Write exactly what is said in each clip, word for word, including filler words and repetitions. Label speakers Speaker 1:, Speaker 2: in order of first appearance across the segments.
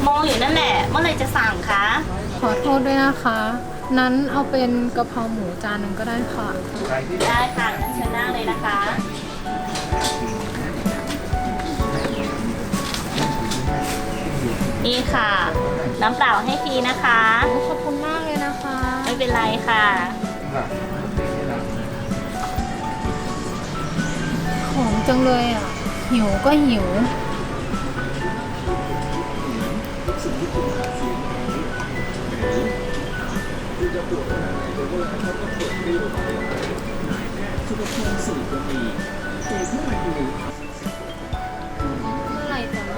Speaker 1: มองอยู่นั่นแหละเมื่อไรจะสั่งคะ
Speaker 2: ขอโทษด้วยนะคะ นั้นเอาเป็นกะเพราหมูจานหนึ่งก็ได้ค่ะ
Speaker 1: ได้ค่ะงั้นเชิญนั่งเลยนะคะนี่ค่ะน้ำเปล่าให้ฟรีนะคะ
Speaker 2: ขอบคุณมากเลยนะคะ
Speaker 1: ไม่เป็นไรค่ะ
Speaker 2: หอมจังเลยอ่ะ หิวก็หิว เมื่อไหร่จะมา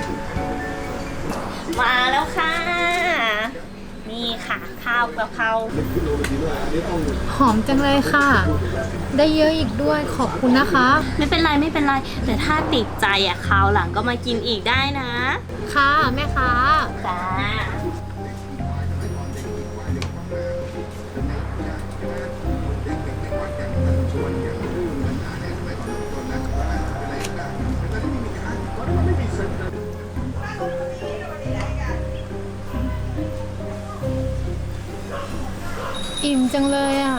Speaker 1: มาแล้วค่ะ นี่ค่ะข้าวกะเพรา
Speaker 2: หอมจังเลยค่ะ ได้เยอะอีกด้วยขอบคุณนะคะ
Speaker 1: ไม่เป็นไรไม่เป็นไร แต่ถ้าติดใจอ่ะคราวหลังก็มากินอีกได้นะ
Speaker 2: ค่ะแม่ค้า
Speaker 1: จ้า
Speaker 2: อิ่มจังเลยอ่ะ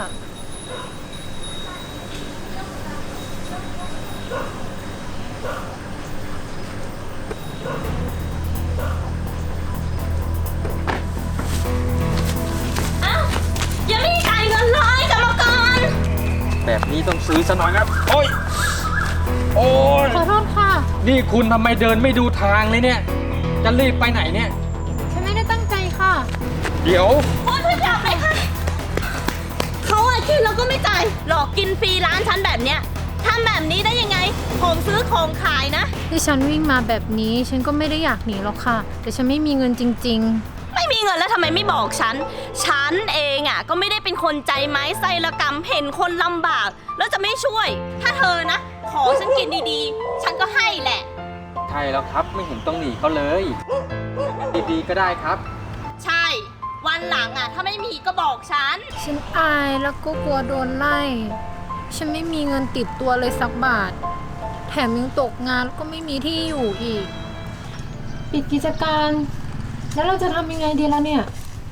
Speaker 1: อ้าวยังไม่ได้จ่ายเงินเลยกรรมกร
Speaker 3: แบบนี้ต้องซื้อซะหน่อยครับโอ้ย โอ้ย
Speaker 2: ขอโทษค่ะ
Speaker 3: นี่คุณทำไมเดินไม่ดูทางเลยเนี่ย จะรีบไปไหนเนี่ย
Speaker 2: ฉันไม่ได้ตั้งใจค่ะ
Speaker 3: เดี๋ยว
Speaker 1: โอ๊ยพี่จับเลยค่ะเขาอะกินแล้วก็ไม่จ่ายหลอกกินฟรีร้านฉันแบบเนี้ยทำแบบนี้ได้ยังไงของซื้อของขายนะ
Speaker 2: ที่ฉันวิ่งมาแบบนี้ ฉันก็ไม่ได้อยากหนีหรอกค่ะ แต่ฉันไม่มีเงินจริง
Speaker 1: ไม่มีเงินแล้วทำไมไม่บอกฉัน ฉันเองอ่ะก็ไม่ได้เป็นคนใจไม้ไส้ละกรรมเห็นคนลำบาก แล้วจะไม่ช่วย ถ้าเธอนะ ขอฉันกินดีๆ ฉันก็ให้แหละ
Speaker 3: ใช่แล้วครับไม่เห็นต้องหนีเขาเลย ดีๆก็ได้ครับ
Speaker 1: ใช่ วันหลังอ่ะ ถ้าไม่มีก็บอกฉัน
Speaker 2: ๆ ฉันอายแล้วก็กลัวโดนไล่ ฉันไม่มีเงินติดตัวเลยสักบาท แถมยังตกงานแล้วก็ไม่มีที่อยู่อีก ปิดกิจการ แล้วเราจะทำยังไงดีล่ะเนี่ย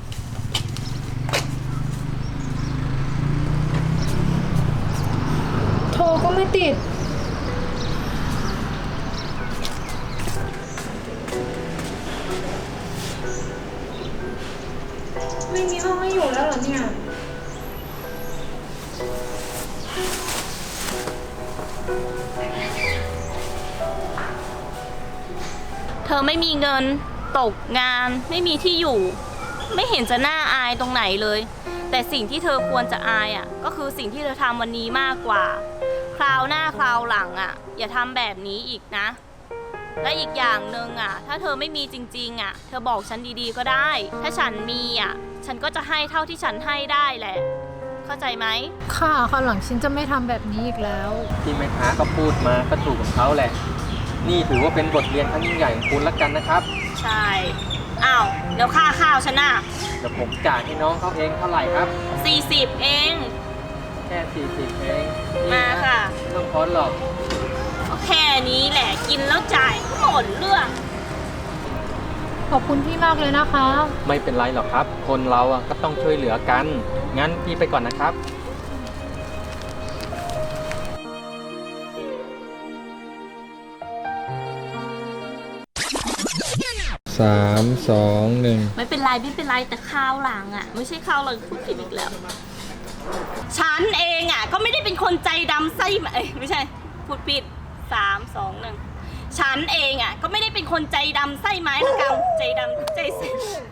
Speaker 2: โทรก็ไม่ติด ไม่มีห้องให้อยู่แล้วเหรอเนี่ย
Speaker 1: เธอไม่มีเงินตกงานไม่มีที่อยู่ ไม่เห็นจะน่าอายตรงไหนเลย แต่สิ่งที่เธอควรจะอายอ่ะก็คือสิ่งที่เธอทำวันนี้มากกว่า คราวหน้าคราวหลังอ่ะอย่าทำแบบนี้อีกนะ และอีกอย่างหนึ่งอ่ะถ้าเธอไม่มีจริงๆอ่ะเธอบอกฉันดีๆก็ได้ ถ้าฉันมีอ่ะฉันก็จะให้เท่าที่ฉันให้ได้แหละ เข้าใจไหม
Speaker 2: ค่ะคราวหลังฉันจะไม่ทำแบบนี้อีกแล้ว
Speaker 3: ที่แม่ค้าก็พูดมาก็ถูกของเขาแหละ นี่ถือว่าเป็นบทเรียนครั้งยิ่งใหญ่ของคุณละกันนะครับ
Speaker 1: ใช่อ้าวเดี๋ยวค่าข้าวฉันน่ะ
Speaker 3: เดี๋ยวผมจ่ายให้น้องเขาเองเท่าไหร่ครับ
Speaker 1: สี่สิบเอง
Speaker 3: แค่สี่สิบเองนี่
Speaker 1: มา
Speaker 3: นะ
Speaker 1: ค่ะ
Speaker 3: ไม่ต้องทอนหรอก
Speaker 1: ก็แค่นี้แหละกินแล้วจ่ายก็หมดเรื่อง
Speaker 2: ขอบคุณพี่มากเลยนะคะ
Speaker 3: ไม่เป็นไรหรอกครับ คนเราอ่ะก็ต้องช่วยเหลือกัน งั้นพี่ไปก่อนนะครับ สามสองหนึ่ง
Speaker 1: ไม่เป็นไรไม่เป็นไรแต่ข้าวหลังอ่ะ ไม่ใช่ข้าวหลังพูดผิดอีกแล้ว ฉันเองอ่ะก็ไม่ได้เป็นคนใจดำไส้เอ้ยไม่ใช่พูดผิดสามสองหนึ่งฉันเองอ่ะก็ไม่ได้เป็นคนใจดำไส้ไม้ละกำใจดำใจเส้น